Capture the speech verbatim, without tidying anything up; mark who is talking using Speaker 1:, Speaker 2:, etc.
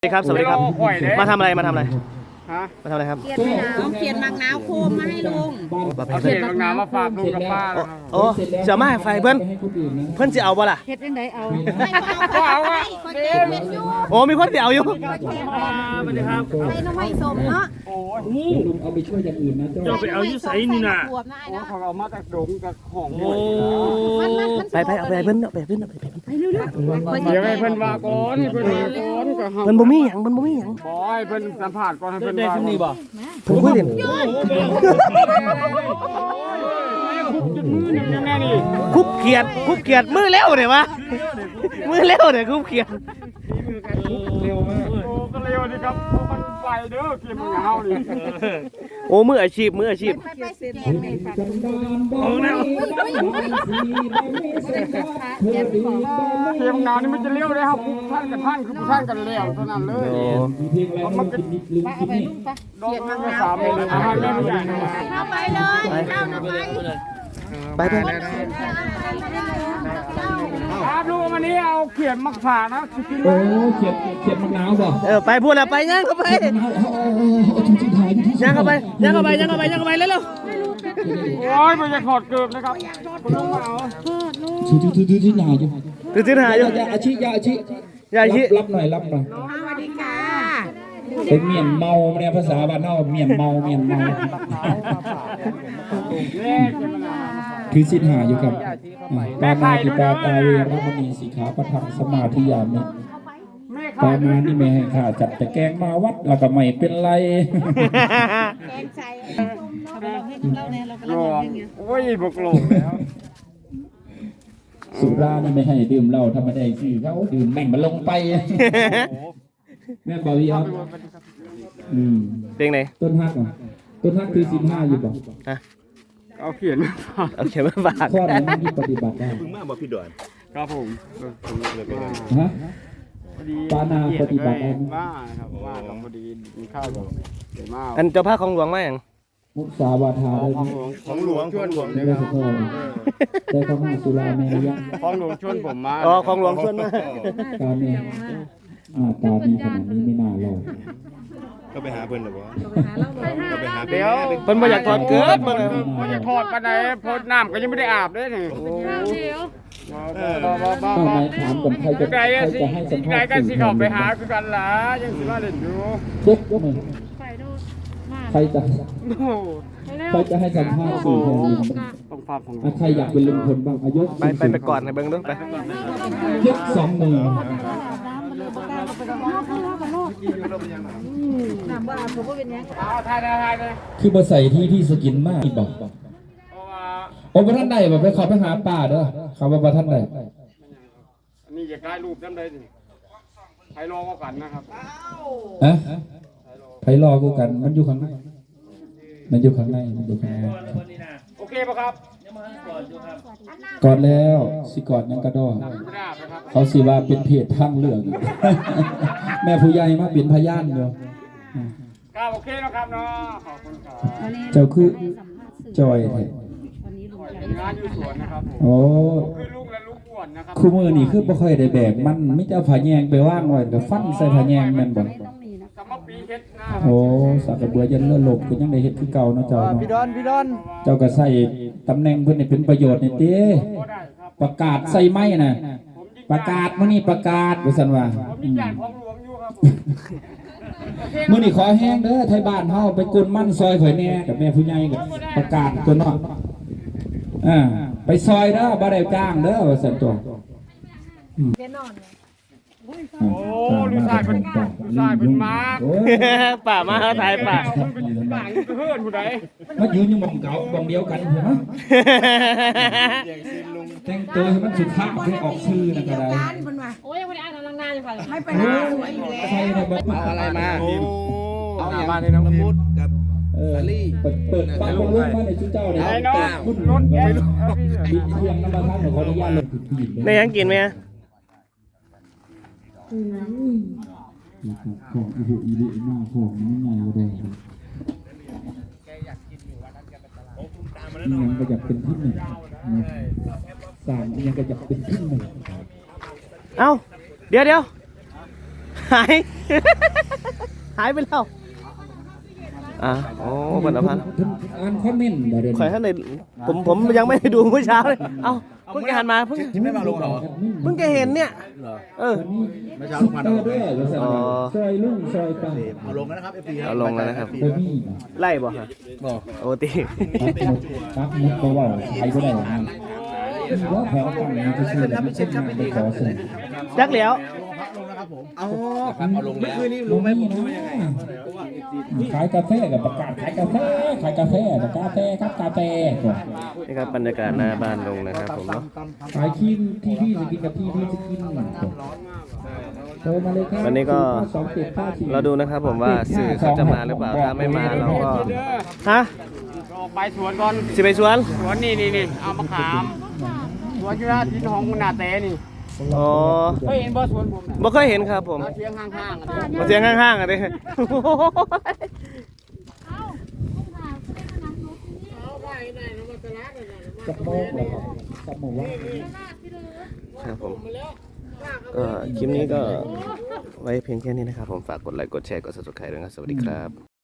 Speaker 1: สวัสดีครับสวัสดีครับมาทำอะไรมาทำอะไร
Speaker 2: ฮะ
Speaker 1: มาทำอะไรครับ
Speaker 3: เขียนมะนาวเขียนมังนาวโคมมาให้ลุง
Speaker 2: เอาเศษบางน้ำมาฝากลุงกับป้านะครับ
Speaker 1: โอ้เสียมาไฟเพื่อนเพื่อนจะเอาบ่ล่ะ
Speaker 3: เฮ็ดยังไงเอาไม่เอาเอาอ่ะคนเก็บเป็นอยู่
Speaker 1: โอ้มีคนเดียวอยู่
Speaker 2: สวัสดีครับ
Speaker 3: ไปน้องไม่สมเนาะ
Speaker 2: โอ้ย
Speaker 4: ลุงเอาไปช่วยอย่างอื่นนะเจ้า
Speaker 1: ไปเอายุใส่นี่น่ะ
Speaker 2: โอ้เขาเอามาจากดงจากของโอ้
Speaker 1: ไปไปเอาไปเพื่อนเอาไปเพื่อนเอาไปเพื่อน
Speaker 3: ไปเร็วๆ
Speaker 2: เดี๋ยวให้เพิ่นว่าก่อนให้เพิ่นว่าก่อนก็เฮา
Speaker 1: เพื่อนบ่มีหยังเพื่อนบ่มีหยัง
Speaker 2: บอยเพิ่นสัมภาษณ์ก่อนให้เพิ่นว่านี่บ่
Speaker 1: เพิ่นคุยเล่นคุบเขียดคุบเขียดมือเร็วเนี่ยวะมือเร็วเนี่ยคุบเขียด
Speaker 2: เร็วมากโอ้ก็เร็วนี่ครับมันไฟเด้อเกมมันเฮานี่
Speaker 1: โอ้มืออาชีพมืออาชีพ
Speaker 2: เกมงานนี่มันจะเร็วเลยครับท่านกับท่านคือท่านกันเร็วเท่านั้นเลยมันก็
Speaker 3: เอาไปลุงปะเขียนมังนาว
Speaker 2: สามเลยอาหารแม่ผู้ใหญ่
Speaker 3: เข้าไปเลยเข้าไป
Speaker 1: ไปไป
Speaker 2: ครับลูกวันนี้เอาเขียนมักผ่านะ
Speaker 4: โอ้เขียดเขียดมะนาวบ่
Speaker 1: เออไปพูดแล้วไปย่างเข้าไปย่างเข้าไปย่างเข้าไปย่างเข้าไปย่างเข้าไปเร็ว
Speaker 2: โอ้ยมันจะถอดเกือบนะครับคุณลุงเอา
Speaker 4: ถือถือถือถือที่หนาอยู่
Speaker 1: ถือถือหาอยู่
Speaker 4: ยาอาชียาอาชี
Speaker 1: ยาอาชี
Speaker 4: รับหน่อยรับหน่อย
Speaker 3: สวัสดีค่ะ
Speaker 4: เป็นเมียนเมาเนี่ยภาษาบ้านนอกเมียนเมาเมียนเมาคือสินหาอยู่กับปานาติปาตาเวรมณีสิกขาปะทังสมาธิยามิปานานี่แม่ให้ข้าจัดแต่แกงมาวัดแล้วก็ไม่เป็นไร
Speaker 3: แกงใจเราเนี่ยเรากำลังเล่น
Speaker 2: โอ้ยบกลงแล้ว
Speaker 4: สุรานี่ไม่ให้ดื่มเหล้าธรรมดาคือเขาดื่มแม่งมันลงไปแม่บอกพี่ครับอืม
Speaker 1: เพลงไหน
Speaker 4: ต้นฮักอ่ะต้นฮักคือสิบห้าอยู่บ่
Speaker 1: ฮะ
Speaker 2: เอาเขียนมาฝาก
Speaker 1: เอาเขียนมาฝาก
Speaker 4: ข้อไหนที่ปฏิบัติได้
Speaker 1: พึ่งมาบอกพี่ดอน
Speaker 2: ครับผม
Speaker 4: ฮะปานาปฏิบัติได้
Speaker 2: ว่าครับว่ากับพอดีมีข้าวกับเดี๋ยวมา
Speaker 1: อันเจ้าภาพของหลวงมาอย่าง
Speaker 4: มุสาวาทาได้
Speaker 2: ของหลวงชวนผม
Speaker 4: ได้ขอโทษได้ข้าวหน้าสุราเมรยะ
Speaker 2: ของหลวงชวนผมมา
Speaker 1: อ๋อของหลวงชวนมา
Speaker 4: การเมหน้าตาดีขนาดนี้ไม่น่ารอด
Speaker 1: ก็ไปหาเพิ่นหรอวะ
Speaker 2: ก็ไปหาเดี๋ยว
Speaker 1: เพิ่นบ่อยากถอดเกิดบ่
Speaker 2: บ่อยากถอดปานใดเพราะน้ำก็ยังไม่ได้อาบเลยนี่โอ้
Speaker 4: ต้องมาถามกันใครจะใครจะให้สัมภาษณ์
Speaker 2: กันสิเขาไปหาคือกันล่ะยังสิมาเล่นอยู่
Speaker 4: เด็กก็มึงใครจะใครจะให้สัมภาษณ์สื่อแทนลุง
Speaker 2: ต้องฟังของ
Speaker 4: ใครอยากเป็นลุงพลบ้างอายุ
Speaker 1: ไปไปไปก่อนให้เบิ่งดูไป
Speaker 4: ยกสองมือ
Speaker 3: น้ำบ้าผมก็เป็นยัง
Speaker 2: ทายทายเลย
Speaker 4: คือมาใส่ที่ที่สกินมากบอกโอ้ประท่านใดบอกไปขอไปหาป่าเด้อเขาบอกประท่านใด
Speaker 2: อันนี้จะกลายรูปน้ำใดสิไทยรอก็กันนะครับ
Speaker 4: อะไทยรอก็กันมันอยู่ข้างในมันอยู่ข้างในมันอยู่ข้างใน
Speaker 2: โอเคป่ะครับ
Speaker 4: กอดแล้วสิกอดนั่นก็ดอเขาสิว่าเป็นเพจทางเลือกแม่ผู้ใหญ่มาเป็นพยานอยู่
Speaker 2: ครับโอเคนะครับเนาะขอบคุณครับ
Speaker 4: เจ้าคือจอยแท้
Speaker 2: งานอยู่สวนนะครับผม
Speaker 4: โอ้
Speaker 2: คือลูกและลูกอ้วนนะครับ
Speaker 4: คู่มือนี่คือบ่ค่อยได้แบกมันมิจะผาแยงไปว่างไว้ก็ฟันใส่ผาแยงแม่นบ่โอ้สักกระเบือยันเลือดหลบก็ยังได้เฮ็ดคือเก่าเนาะเจ้าเนาะ
Speaker 1: พี่ดอนพี่ดอน
Speaker 4: เจ้าก็ใส่ตำแหน่งเพิ่นนี่เป็นประโยชน์นี่ติประกาศใส่ไม้น่ะประกาศมื้อนี้ประกาศว่าซั่นว่ามื้อนี้ขอแห้งเด้อไทยบ้านเฮาไปกวนมันซอยข่อยแน่กับแม่ผู้ใหญ่ก็ประกาศตัวเนาะอ่าไปซอยเด้อบ่ได้จ้างเด้อว่าซั่นตัว
Speaker 2: โอ้ลูกชายเป็นลูกชายเป็นมา
Speaker 1: ป่ามาเขาถ่ายป่า
Speaker 2: เพื่อนผู้ใด
Speaker 4: มายืนอยู่มองเก่ามองเดียวกันเหรอแต่งตัวให้มันสุภาพให้ออกชื่อนะก็ได้
Speaker 3: โอ้ยยังไม่ได้อ่านกำลังนานอยู่ค่ะไม่ไป
Speaker 4: หาสวยอยู่แล้วใครนะบอก
Speaker 1: มาอะไรมา
Speaker 2: เอาหน้าบ้านเลยน้องพุทธกับ
Speaker 4: ซาลี่เปิดเปิดบ้านลงมาในชุดเจ้าเนี่ย
Speaker 2: ไอ้น้องรุ่นรถไม่รู้
Speaker 4: ดินเทียงน้ำมันท่านขออนุญาตลงผิด
Speaker 1: ในยังกินไหม
Speaker 4: ของอีบุอีบุหน้าของนี่ไงเลยนี่ยังก็อยากเป็นที่หนึ่งสามยังก็อยากเป็นที่หนึ่ง
Speaker 1: เอ้าเดี๋ยวเดี๋ยวหาย หายไปแล้วอ่ะโอ้บรรพันธ์
Speaker 4: อ่านคอมเมนต์บ่เดี๋ยว
Speaker 1: ข่อยท่านในผมผมยังไม่ได้ดูเมื่อเช้าเลยเอ้าเพิ่งแกหันมาเพิ่ง
Speaker 5: ไม่มาลงเหรอ
Speaker 1: เพิ่งแกเห็นเนี่ยเออ
Speaker 5: ไม่เช้าลงมา
Speaker 4: เออเด้อว่าซั่น
Speaker 1: อ๋อ
Speaker 4: ซอยลุงซอยป้า
Speaker 5: เอาลงแล้วนะครับเอฟซี
Speaker 1: เอาลงแล้วนะครับ
Speaker 4: บ่มี
Speaker 1: ไล่บ่ฮะ
Speaker 5: บอก
Speaker 1: โอตี
Speaker 4: ปักหมุดปักหมุดก็เว่าใครบ่ได้ว่าว่าแถวฝั่งนี้จะซื้อแล้วไม่ใช่งานไปขอซื้อ
Speaker 1: จักแล้ว
Speaker 5: ลงนะครับผม
Speaker 2: เอา
Speaker 5: เอาลงแล้ว
Speaker 2: คืนนี้
Speaker 4: รู้
Speaker 2: รู้
Speaker 4: ไห
Speaker 2: ไห
Speaker 4: ม
Speaker 2: ม
Speaker 4: ผ
Speaker 2: ผม ม
Speaker 4: รู้ยังไงขายกาแฟกับประกาศขายกาแฟขายกาแฟกับกาแฟครับกาแฟก่อน
Speaker 1: นี่ครับบรรยากาศหน้าบ้านลุงนะครับผมเนาะ
Speaker 4: ขายคินที่พี่จะกินกับที่พี่จะกินโทรมาเลยครับ
Speaker 1: วันนี้ก็
Speaker 4: สองเจ็ดห้าสี่
Speaker 1: เราดูนะครับผมว่าสื่อเขาจะมาหรือเปล่าถ้าไม่มาเราก็ฮะ
Speaker 2: ออกไปสวนก่อน
Speaker 1: สิไปสวน
Speaker 2: สวนนี่นี่นี่เอามะขามสวนที่ว่าที่ของคุณนาเต้นี่
Speaker 1: อ๋อ
Speaker 2: เคยเห็นบ่สวนผมน่ะ
Speaker 1: บ่เคยเห็นครับผม
Speaker 2: เอาเชียงข้างๆอ่ะ
Speaker 1: มาเสียงข้างๆอ่ะดิ
Speaker 4: จับโมงเหรอครับจับโมงว่า
Speaker 1: ครับผมก็คลิปนี้ก็ไว้เพียงแค่นี้นะครับผมฝากกดไลค์กดแชร์กด ซับสไครบ์ ด้วยนะครับสวัสดีครับ